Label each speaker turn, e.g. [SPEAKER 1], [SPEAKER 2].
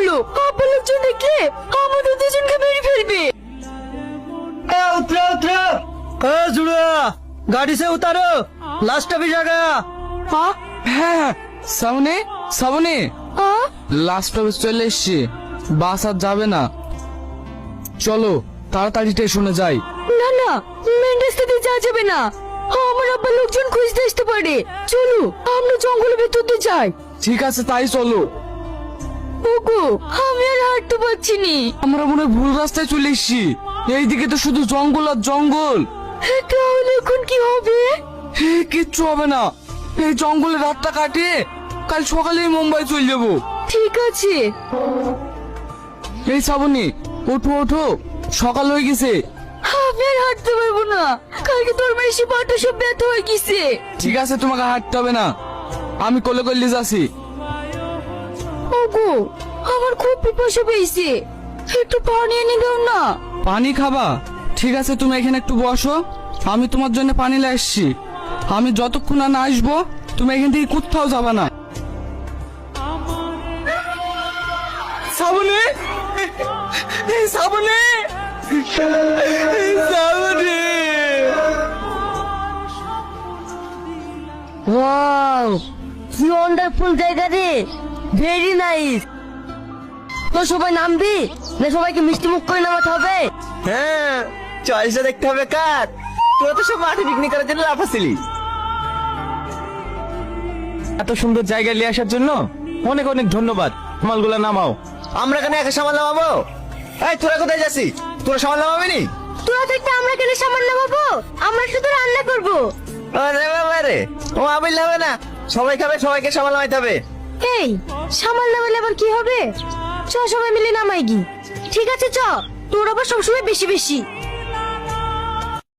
[SPEAKER 1] হলো, আব্বা লোকজন দেখলে আমাদের দুজনকে মেরে ফেলবে।
[SPEAKER 2] उतरो उतरो। जुड़वा गाड़ी से उतारो, लास्ट अभी जाएगा।
[SPEAKER 3] হ্যাঁ সামনে সামনে
[SPEAKER 1] আ?
[SPEAKER 3] লাস্ট স্টপে চলে এসছি, বাস আর যাবে না, চলো তাড়াতাড়ি স্টেশনে যাই।
[SPEAKER 1] না না, মেন রাস্তা দিয়ে যাওয়া যাবে না, আমার আব্বা লোকজন খুঁজতে আসতে পারে। চলো আমরা জঙ্গলের ভেতর দিয়ে যাই।
[SPEAKER 3] ঠিক আছে তাই চলো।
[SPEAKER 1] ওগো, আমি আর হাঁটতে পারছি নি।
[SPEAKER 3] আমরা মনে হয় ভুল রাস্তায় চলে এসছি, এইদিকে তো শুধু জঙ্গল আর জঙ্গল।
[SPEAKER 1] তাহলে এখন কি হবে?
[SPEAKER 3] কিচ্ছু হবে না, এই জঙ্গলে রাতটা কাটিয়ে কাল সকালেই মুম্বাই চলে যাবো।
[SPEAKER 1] ঠিক আছে।
[SPEAKER 3] এই শ্রাবণী ওঠো ওঠো, সকাল হয়ে গেছে।
[SPEAKER 1] আমি আর হাঁটতে পারবো না, কালকে তোর মেশি পাটা সব ব্যথা হয়ে গেছে।
[SPEAKER 3] ঠিক আছে তোমাকে হাঁটতে হবে না, আমি কোলে কোলে যাচ্ছি।
[SPEAKER 1] ওগো, আমার খুব পিপাসা পেয়েছে, একটু পানি এনে দাও না।
[SPEAKER 3] পানি খাবা? ঠিক আছে তুমি এখানে একটু বসো, আমি তোমার জন্য পানি নিয়ে আসছি। আমি যতক্ষণ না আসবো তুমি এখান থেকে কোথাও যাবা না। শ্রাবণী, এই শ্রাবণী, এই শ্রাবণী।
[SPEAKER 1] ওয়াও, কি ওয়ান্ডারফুল জায়গা রে, ভেরি নাইস। তো সবাই নামবি না সবাইকে মিষ্টি মুখ করে নামাতে হবে?
[SPEAKER 2] হ্যাঁ, চয়েসটা দেখতে হবে কার। তোরা তো সব মাঠে পিকনিক করার জন্য লাফাছিলি। এত সুন্দর জায়গা নিয়ে আসার জন্য অনেক অনেক ধন্যবাদ। মালগুলা নামাও। আমরা কেন একা সামাল নামাবো? এই তোরা কোথায় যাচ্ছি? তোরা সামাল নামাবি নি?
[SPEAKER 1] তোরা থাকতে আমরা কেন সামান নামাবো? আমরা শুধু রান্না করবো।
[SPEAKER 2] আরে বাবা রে, ও আমিল হবে না, সবাই খাবে, সবাইকে সামাল নামাইতে হবে।
[SPEAKER 1] এই সামান নামালে আবার কি হবে? চ সবাই মিলে নামাই গি। ঠিক আছে চ, তোর আবার সবসময় বেশি বেশি।